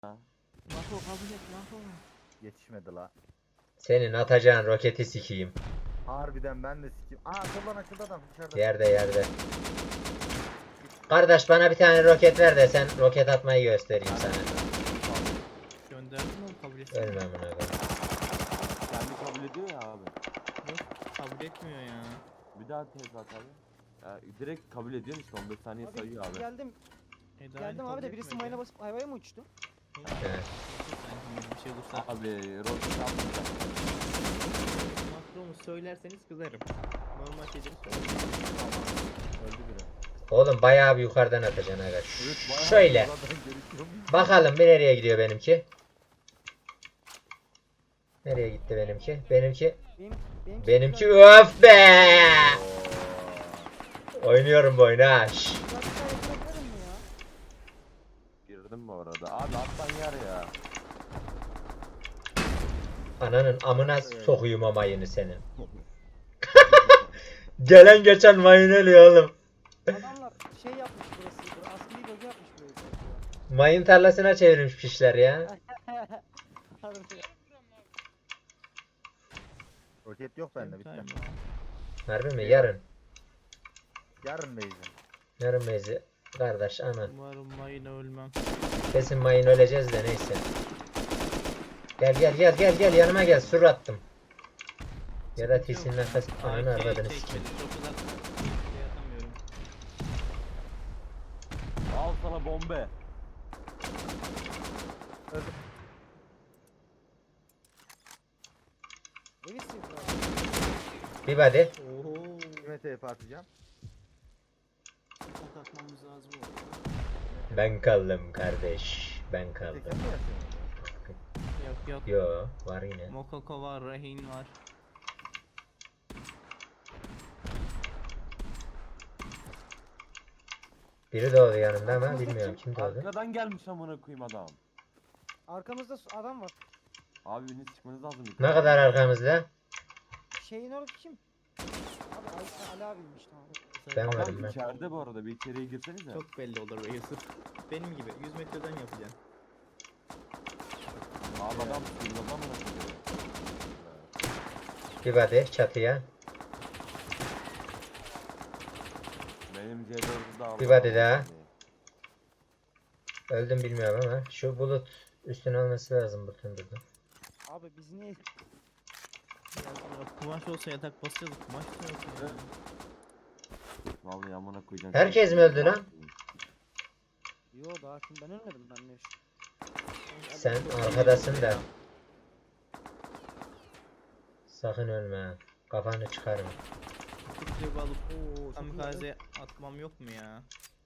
Ha, Mako kabul et Mako. yetişmedi la. Senin atacağın roketi sikeyim. Harbiden ben de sikeyim. Aa soldan açıldı adam dışarıda. Yerde. Kardeş bana bir tane roket ver de sen roket atmayı göstereyim sana. Gönderdim oğlum kabul etsene. Ölmem buna be. Kendi kabul ediyor ya abi. Yok kabul etmiyor ya. Bir daha tez at abi. Ya, direkt kabul ediyorsun işte 15 saniye Abi sayıyor abi. geldim. Eda Geldim kabul abi de birisi etmiyor mayına ya. basıp hayvaya mı uçtu? Evet. Sanki bir şey olursa. Abi roket almayacak. Makromu söylerseniz kızarım. Normal şeyleri söylerim. Öldü biri. Oğlum bayağı bir yukarıdan atacaksın aga. Evet, bayağı Şöyle. yukarıdan görüşüyorum. Bakalım bir nereye gidiyor benimki. Nereye gitti benimki? Benimki öf be! Oynuyorum bu oyunu ha. Şşş. Girdim bu arada. Abi attan yer ya. Ananın amına sokuyum o mayını senin. Gelen geçen mayın ölüyor oğlum. Adamlar şey yapmış burası. Askeri bölge yapmış burayı. Mayın tarlasına çevirmiş pişler ya. Roket yok bende bitti. Harbi mi? Yarın. Yarın beyzim. Yarın mezi. Kardeş aman. Umarım mayına ölmem. Kesin mayın öleceğiz de neyse. Gel yanıma gel. Sur attım. Ya da TC'nin arkası. Ananı arvadını sikeyim. Çok uzak. Şey atamıyorum. Al sana bombe. Evi sıyırdı. Bir body. Ooo. Kime TP atacağım? Çok atmamız lazım o. Ben kaldım kardeş. Ben Teker kaldım. mi yapıyorsun? Yok. Yo var yine. Mokoko var, Rehin var. Biri doğdu yanımda ama bilmiyorum kim doğdu. Arkadan gelmiş amına koyayım adam. Arkamızda adam var. Abi biriniz çıkmanız lazım. Ne kadar arkamızda? Şeyin orada kim? Abi Ali abiymiş tamam. Ben varım Adam ben. içeride bu arada. Bir içeriye girsenize. Çok belli olur be Yusuf. Benim gibi 100 metreden yapacaksın. Abi adam sıyırladı amına koyayım. Bir body çatıya. Benim C4'ü de aldım. Bir body daha. Öldüm bilmiyorum ama şu bulut üstüne olması lazım bütün burada. Abi biz niye? Ya kumaş olsa yatak basacağız. Kumaş da yok ya. Vallahi amına koyacağım. Herkes mi öldü lan? Yo daha kim ben ölmedim ben ne? Sen arkadasın da. Sakın ölme ha. Kafanı çıkarma. Kutuyu alıp Oo, kamikaze atmam yok mu ya?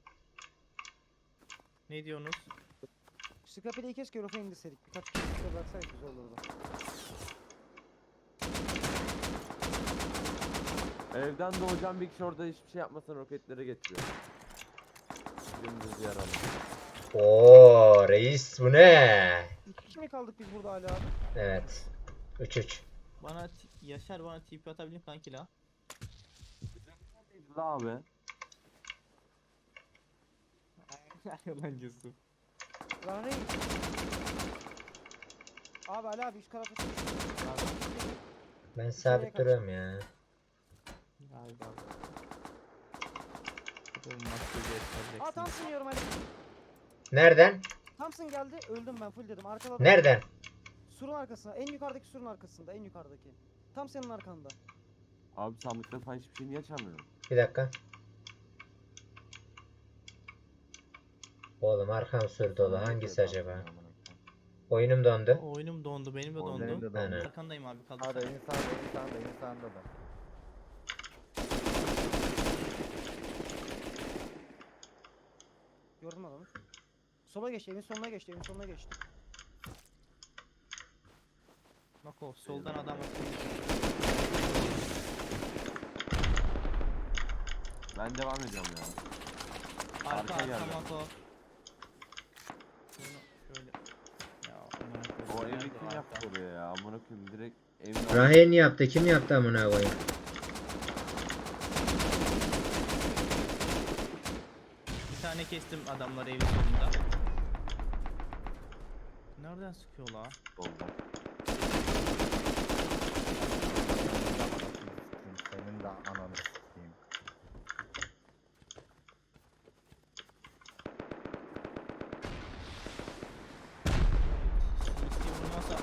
Ne diyorsunuz? Skapeli'yi keşke Eurofa indirseydik. Birkaç kişi de bıraksaydık güzel olurdu. Evden doğacağım bir kişi orada hiçbir şey yapmasın roketleri getiriyor. Dümdüz yaralı. Oo reis bu ne? 2 kişi mi kaldık biz burada Ali abi? Evet. 3-3. Bana Yaşar bana TP atabilir kanki la. La abi. Yalancısı. Lan reis. Abi Ali abi üst tarafa çık. Ben sabit duruyorum ya. Galiba. Bu maçı göstereceksin. Aa Thompson yiyorum Ali. Nereden? Thompson geldi öldüm ben full dedim arkada. Nereden? Surun arkasında en yukarıdaki surun arkasında en yukarıdaki. Tam senin arkanda. Abi sandıkta falan hiçbir şey niye açamıyorum? Bir dakika. Oğlum arkam sur dolu. Hangisi acaba? Oyunum dondu. Oyunum dondu, benim de Oyunum dondu. da dondu. Aynen. Arkandayım abi, kaldı. Hadi insanda da. Gördüm adamı. Sola geçti evin sonuna geçti evin sonuna geçti. Bak o soldan adam atıyor. Ben devam ediyorum ya. Arka Arka geldi. Mako. Bunu şöyle. Ya aman O Allah'ım, evi nerede kim arka? yaptı oraya ya? Amına koyayım direkt evin Rahim yaptı. Kim yaptı amına koyayım? Bir tane kestim adamlar evin sonunda. Nereden sıkıyor la? Solda. Senin de ananı sikeyim. CC vurmasa.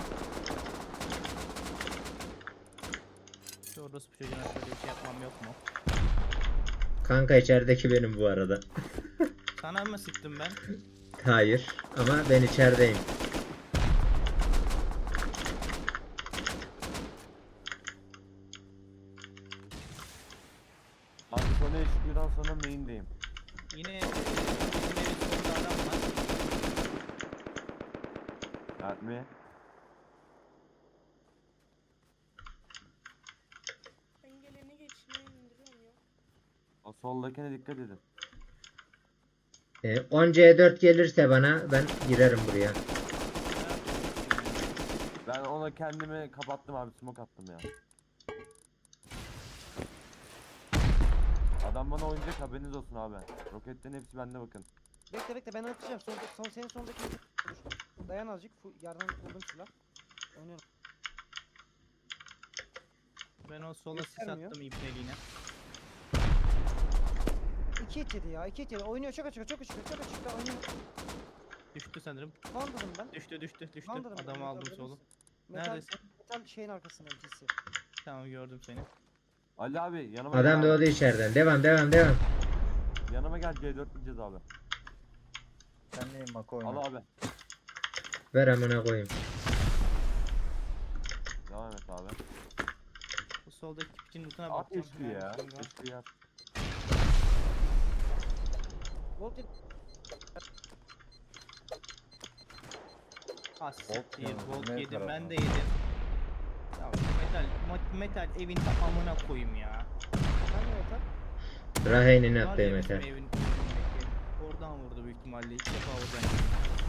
Şu orası bu çocuğuna şöyle bir şey yapmam yok mu? Kanka içerideki benim bu arada. Sana mı sıktım ben? Hayır ama ben içerideyim. Abi sonra HQ'dan sonra main'deyim. Yine bizim evin sonunda adam var. Mert mi? Engelini geçmeye indiriyorum ya. O soldakine dikkat edin. 10 C4 gelirse bana ben girerim buraya. Ben ona kendimi kapattım abi, smoke attım ya. Adam bana oynayacak, haberiniz olsun abi. Roketlerin hepsi bende, bakın. Bekle bekle ben atacağım. Senin sondaki dayan azıcık. Yerden buldum silah. Oynuyorum. Ben o sola sis Göstermiyor. attım ipneliğine. 2 et yedi ya. 2 et yedi. Oynuyor çok açık çok açık çok açık. Oynuyor. Düştü sanırım. Vandalım ben. Düştü. Vandalım ben, Adamı aldım haberin solu. olsun. Metal, Neredesin? metal şeyin arkasında MC'si. Tamam gördüm seni. Ali abi yanıma Adam gel. doğdu içeriden. Devam. Yanıma gel, C4 diyeceğiz abi. Sen neyin Mako Al oyna. abi. Ver amına koyayım. Devam et abi. Bu soldaki piçin lootuna At bakacağım. HQ ya. Neredesin lan? HQ at. Volt yedi. Ah siktir, yalnız, volt ne yedim, ben tarafı? de yedim. Ya metal evin amına koyayım ya. Ben de metal. Raheynin Var ya attığı bizim metal. evin önündeki. Oradan vurdu büyük ihtimalle. İlk defa oradan yedim.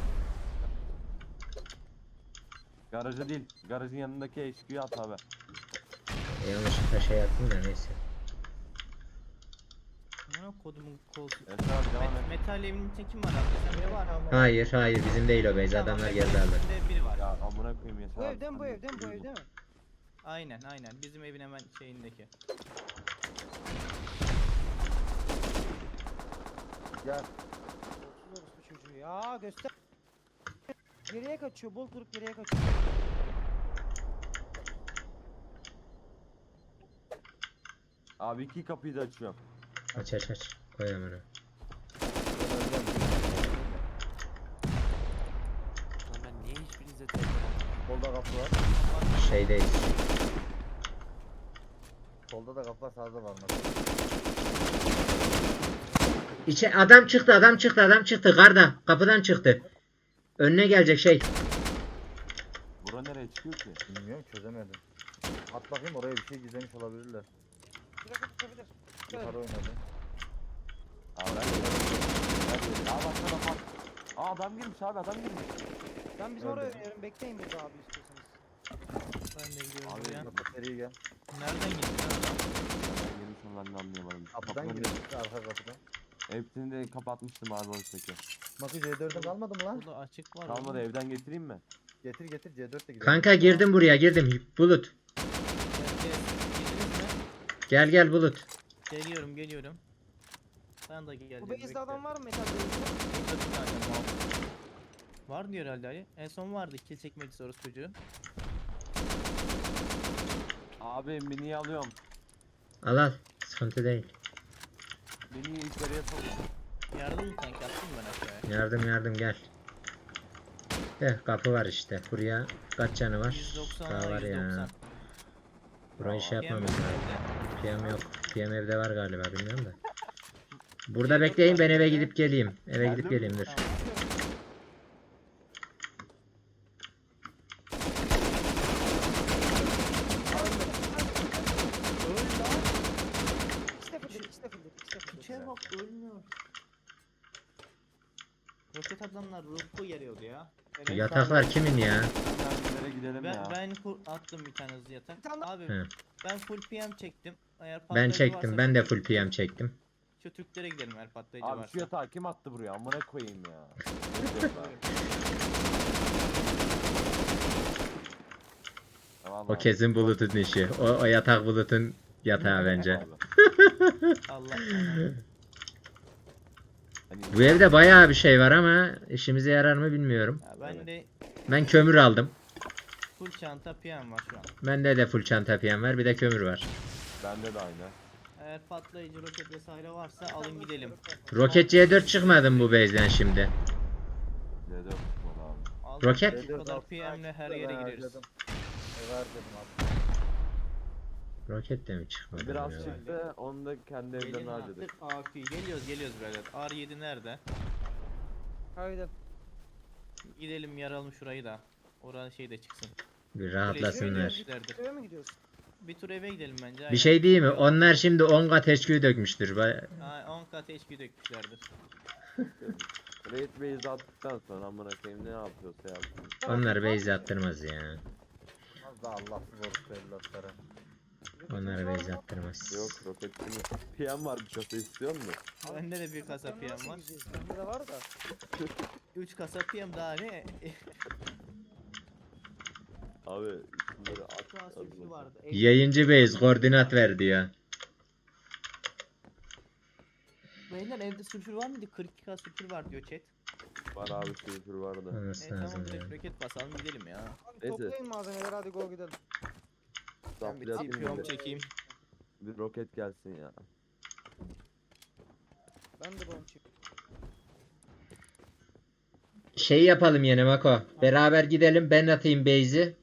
Garajı değil. Garajın yanındaki HQ'yu at abi. Yanlışlıkla şey yaptım da neyse. Amına kodumun koltuğu. Evet abi, devam et. Metal evin içinde kim var abi? Sen biri var mı? Hayır bizim değil o base. Tamam, Adamlar metal geldi aldı. evin içinde biri var. Ya amına koyayım Yaşar Bu abi, evden sen bu de evden bu duydun. evde mi? Aynen. Bizim evin hemen şeyindeki. Gel. 30 orospu çocuğu ya göster. Geriye kaçıyor. Bol kurup geriye kaçıyor. Abi iki kapıyı da açıyorum. Aç. Koy amına. Lan ben niye hiçbirinize telefon Solda kapı var. Şeydeyiz. Solda da kapı var, sağda var Mako. Adam çıktı. Garda. Kapıdan çıktı. Önüne gelecek şey. Bura nereye çıkıyor ki? Bilmiyorum, çözemedim. At bakayım, oraya bir şey gizlemiş olabilirler. Şurada tutabilir. Yukarı oynadı. Abi ben Aa bak sana bak. Aa adam girmiş abi, adam girmiş. Ben bizim oraya Öldü. oynuyorum. Bekleyin burada abi istiyorsanız. Ben de gidiyorum Abi, buraya. Mako seri gel. Nereden gittin adam? Ben girmiş onu, ben de anlayamadım. Kapıdan Kapıları- gidiyor, arka kapıdan. Hepsini de kapatmıştım abi oyundaki. Mako C4'ün kalmadı mı lan? Burada açık var. Kalmadı, oğlum. evden getireyim mi? Getir C4 de gidelim. Kanka girdim buraya. Bulut. Girdiniz mi? Gel Bulut. Geliyorum. Ben de geleceğim. Bu base'de bekle. adam var mı metal base'de? Burada bir tane mal. Var diyor herhalde Ali. En son vardı kill çekmek sorusu çocuğu. Abi miniyi alıyorum. Al. Sıkıntı değil. Miniyi içeriye sok. Yardım mı kanka, attın mı ben aşağıya? Yardım gel. Kapı var işte. Buraya kaç canı var? 190 Daha var ya. 190. Burayı şey PM yapmamız yok lazım. evde. PM yok. PM evde var galiba, bilmiyorum da. Burada bekleyin, ben eve gidip geleyim. Eve gidip Geldim. geleyim dur. Tamam. İkisi de full. Piçe bak, ölmüyor. Roket adamlar ruhu geliyordu ya. Yataklar kimin ya? Nereye gidelim ya? Ben attım bir tane hızlı yatak. Bir tane daha- Abi Hı. ben full PM çektim. Eğer Ben patlayıcı çektim. varsa Ben de şu full PM Türk- çektim. Şu Türklere gidelim eğer patlayıcı Abi varsa. şu yatağı kim attı buraya? Amına koyayım ya. O kesin Bulut'un işi. O yatak Bulut'un yatağı bence. Abi. Allah. Hani Bu evde bayağı bir şey var ama işimize yarar mı bilmiyorum. Ya ben de Ben kömür aldım. full çanta PM var şu an. Bende de full çanta piyen var. Bir de kömür var. bende de aynı. Eğer patlayıcı roket vesaire varsa alın gidelim. Roket C4 çıkmadı mı bu base'den şimdi? D4 tutmalı abi. Aldık, Roket? Bu kadar PM'le her yere gireriz. Harcadım. Harcadım abi. Roket de mi çıkmadı? Biraz ya? çıktı, onu da kendi evden Gelin harcadık. artık AQ. Geliyoruz birader. R7 nerede? Haydi. Gidelim yaralım şurayı da. Oranın şey de çıksın. Bir rahatlasınlar. Işlerdir. Eve mi gidiyorsun? Bir tur eve gidelim bence. Bir şey değil mi? Onlar şimdi 10 kat HQ dökmüştür. 10 kat HP dökmüşlerdir. Raid base attıktan sonra amına koyayım ne yapıyorsa yapsın. Onlar base attırmaz ya. Az da Allahsız orospu evlatları. Onlar base attırmaz. Yok roketli mi? PM var bir kasa istiyor musun? Bende de bir kasa PM var. Bende de var da. 3 kasa PM daha ne? Abi şunları at. Şu an sürücü vardı. Yayıncı base koordinat ver diyor. Beyler evde sürücü var mıydı? 42k sürücü var diyor chat. Var abi sürücür vardı. Olması Tamam lazım ya. direkt roket basalım gidelim ya. Abi Neyse. toplayın malzemeleri hadi go gidelim. Ben bir Zaplayatayım TP'm bir de. çekeyim. Bir roket gelsin ya. Ben de bomb çekeyim. Şey yapalım yine Mako. Beraber gidelim. Ben atayım base'i.